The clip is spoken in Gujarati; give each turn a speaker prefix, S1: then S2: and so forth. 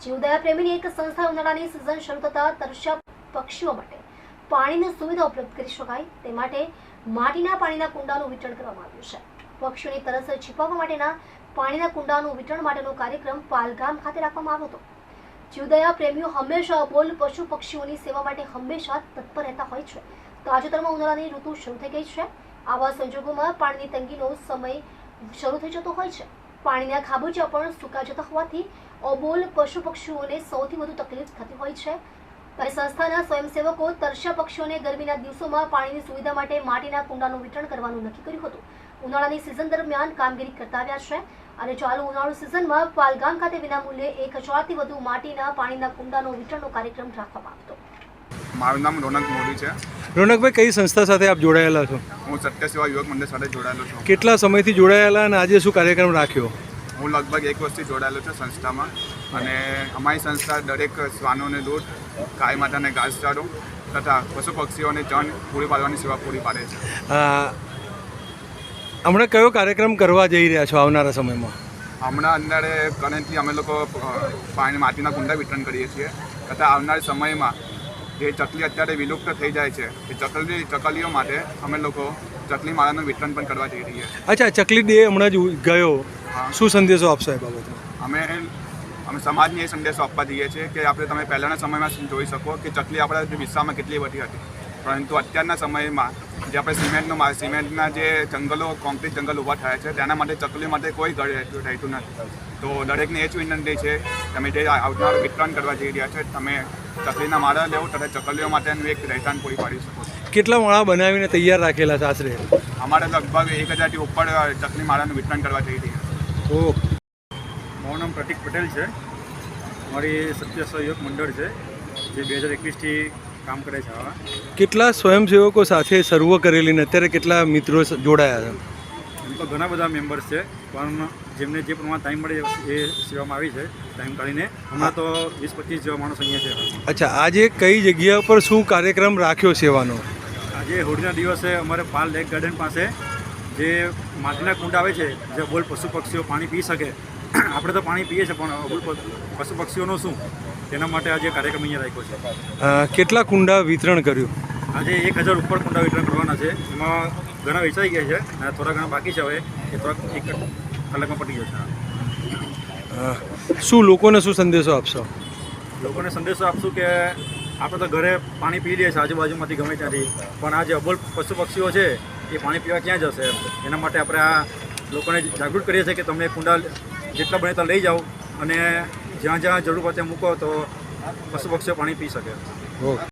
S1: જીવદયા પ્રેમીની એક સંસ્થા ઉનાળાની સિઝન શરૂ થતાં તરસ્યા પક્ષીઓ માટે પાણીની સુવિધા ઉપલબ્ધ કરી શકાય તે માટે માટીના પાણીના કુંડાનું વિતરણ કરવામાં આવ્યું છે. પક્ષીઓની તરસ છીપાવવા માટેના પાણીના કુંડાનું વિતરણ માટેનો કાર્યક્રમ પાલગામ ખાતે રાખવામાં આવ્યો હતો. જીવદયા પ્રેમીઓ હંમેશા અબોલ પશુ પક્ષીઓની સેવા માટે હંમેશા તત્પર રહેતા હોય છે. તાજેતરમાં ઉનાળાની ઋતુ શરૂ થઈ ગઈ છે. આવા સંજોગોમાં પાણીની તંગીનો સમય શરૂ થઈ જતો હોય છે. પાણીના ખાબોચિયા પણ સુકાઈ જતા હોવાથી અબોલ પશુ પક્ષીઓને સૌથી વધુ તકલીફ થતી હોય છે. ત્યારે સંસ્થાના સ્વયંસેવકો તરસ્યા પક્ષીઓને ગરમીના દિવસોમાં પાણીની સુવિધા માટે માટીના કુંડાનું વિતરણ કરવાનું નક્કી કર્યું હતું. ઉનાળાની સિઝન દરમિયાન કામગીરી કરતા આવ્યા છે અને ચાલુ ઉનાળુ સિઝનમાં પાલગામ ખાતે વિનામૂલ્યે 1000 થી વધુ માટીના પાણીના કુંડાનો વિતરણનો કાર્યક્રમ રાખવામાં આવ્યો હતો.
S2: મારું નામ રોનક મોદી છે.
S3: રોનકભાઈ, કઈ સંસ્થા સાથે આપ જોડાયેલા છો?
S2: હું સત્ય સેવા યુવક મંડળ સાથે જોડાયેલો છું.
S3: કેટલા સમયથી જોડાયેલા અને આજે શું કાર્યક્રમ રાખ્યો?
S2: હું લગભગ 1 વર્ષથી જોડાયેલો છું સંસ્થામાં અને અમારી સંસ્થા દરેક શ્વાનોને દૂધ, ગાય માતાને ઘાસચારો તથા પશુ પક્ષીઓને ચણ પૂરી પાડવાની સેવા પૂરી પાડે છે.
S3: હમણાં કયો કાર્યક્રમ કરવા જઈ રહ્યા છો આવનારા સમયમાં?
S2: હમણાં અંદારે કરંટલી અમે લોકો માટીના કુંડા વિતરણ કરીએ છીએ તથા આવનારા સમયમાં જે ચકલી અત્યારે વિલુપ્ત થઈ જાય છે એ ચકલીઓ માટે અમે લોકો ચકલી માળાનું વિતરણ પણ કરવા જઈ રહ્યા છીએ.
S3: અચ્છા, ચકલી ડે હમણાં જ ગયો, શું સંદેશો આપશો એ બાબતમાં?
S2: અમે સમાજને એ સંદેશો આપવા જઈએ છીએ કે આપણે તમે પહેલાંના સમયમાં જોઈ શકો કે ચકલી આપણા વિસ્તારમાં કેટલી બધી હતી, પરંતુ અત્યારના સમયમાં જે આપણે સિમેન્ટના જે જંગલો, કોન્ક્રીટ જંગલ ઊભા થયા છે તેના માટે ચકલી માટે કોઈ ઘર રહેતું નથી. તો દરેકને એ જ વિનંતી છે તમે જે આવનારું વિતરણ કરવા જઈ રહ્યા છે તમે ચકલીના માળા લેવો તથા ચકલીઓ માટેનું એક રહેઠાણ પૂરી પાડી શકો છો.
S3: કેટલા માળા બનાવીને તૈયાર રાખેલા છે આશરે?
S2: અમારે લગભગ 1000થી ઉપર ચકલી માળાનું વિતરણ કરવા જઈ રહ્યા છે.
S3: તો
S4: મારું નામ પ્રતિક પટેલ છે. મારી સત્ય સહયોગ મંડળ છે જે 2021થી કામ કરે છે.
S3: કેટલા સ્વયંસેવકો સાથે સર્વ કરેલી ને અત્યારે કેટલા મિત્રો જોડાયા છે?
S4: એમ તો ઘણા બધા મેમ્બર્સ છે પણ જેમને જે પ્રમાણે ટાઈમ મળે એ સેવામાં આવી છે ટાઈમ કાઢીને. હમણાં તો 20-25 જેવા માણસ અહીંયા છે.
S3: અચ્છા, આજે કઈ જગ્યા પર શું કાર્યક્રમ રાખ્યો સેવાનો?
S4: આજે હોળીના દિવસે અમારે પાલ લેક ગાર્ડન પાસે જે માટીના કુંડ આવે છે જે અબોલ પશુ પક્ષીઓ પાણી પી શકે. આપણે તો પાણી પીએ છીએ પણ અબોલ પશુ પક્ષીઓનું શું, તેના માટે આજે કાર્યક્રમ અહીંયા રાખ્યો છે.
S3: કેટલા કુંડા વિતરણ કર્યું?
S4: આજે 1000 ઉપર કુંડા વિતરણ કરવાના છે. એમાં ઘણા વેચાઈ ગયા છે અને થોડા ઘણા બાકી છે. હવે એ થોડાક 1 કલાકમાં પતી જશે.
S3: શું લોકોને શું સંદેશો આપશો?
S4: લોકોને સંદેશો આપશું કે આપણે તો ઘરે પાણી પી લઈએ છીએ આજુબાજુમાંથી ગમે ત્યાંથી, પણ આ જે અબોલ પશુ પક્ષીઓ છે એ પાણી પીવા ક્યાં જશે? એના માટે આપણે આ લોકોને જાગૃત કરીએ છીએ કે તમે કુંડા જેટલા બને ત્યાં લઈ જાઓ અને જ્યાં જ્યાં જરૂર પડે મૂકો તો પશુ પક્ષીઓ પાણી પી શકે.
S3: ઓકે.